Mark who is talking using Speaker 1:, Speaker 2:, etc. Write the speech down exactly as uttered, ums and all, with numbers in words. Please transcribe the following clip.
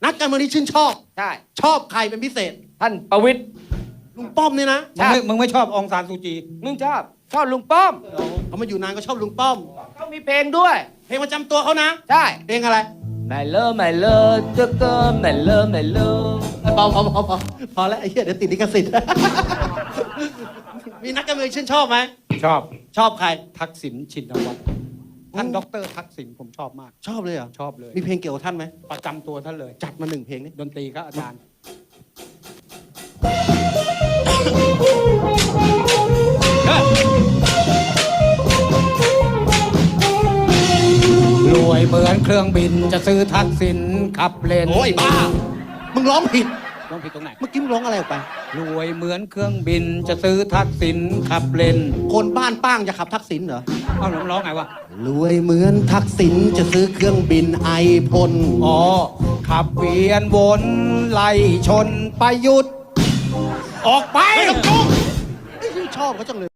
Speaker 1: นักการเมืองที่ชื่นชอบ
Speaker 2: ใช่
Speaker 1: ชอบใครเป็นพิเศษ
Speaker 2: ท่านประวิตร
Speaker 1: ลุงป้อมเนี่ยนะ
Speaker 3: มึงไม่มึงไม่ชอบองซานซูจี
Speaker 2: มึงชอบชอบลุงป้อม
Speaker 1: เขามาอยู่นานก็ชอบลุงป้อม
Speaker 2: เขามีเพลงด้วย
Speaker 1: เพลงประจำตัวเขานะ
Speaker 2: ใช่
Speaker 1: เพลงอะไร
Speaker 2: ไม่เลิกไม่เลิกเจอเกินไม่เลิกไม่เลิก
Speaker 1: พอพอพอพอพอแล้วไอ้เหี้ยเดี๋ยวติดลิขสิทธิ์ มีนักการเมืองชื่นชอบไหม
Speaker 3: ชอบ
Speaker 1: ชอบใคร
Speaker 3: ทักษิณชินวัตรท่านด็อกเตอร์ทักษิณผมชอบมาก
Speaker 1: ชอบเลยเหรอ
Speaker 3: ชอบเลย
Speaker 1: มีเพลงเกี่ยวกับท่านไหม
Speaker 3: ประจำตัวท่านเลย
Speaker 1: จัดมาหนึ่งเพลงนี่
Speaker 3: ดนตรีก็อาจารย์ รวยเหมือนเครื่องบินจะซื้อทักษิณขับเลน
Speaker 1: โอ้ยบ้า มึงร้องผิด
Speaker 3: ร้องผิดตรงไหน
Speaker 1: เมื่อกี้มึงร้องอะไรออกไป
Speaker 3: รวยเหมือนเครื่องบินจะซื้อทักษิณขับเลน
Speaker 1: คนบ้านป้างจะขับทักษิณเหรอ
Speaker 3: เอ้าแล้วร้องไงวะ
Speaker 1: รวยเหมือนทักษิณจะซื้อเครื่องบินไอพ่น
Speaker 3: อ๋อ ขับเวียนวนไล่ชนประยุทธ์ออกไป
Speaker 1: ไม่ต้องจุ้งชอบเขาจังเลย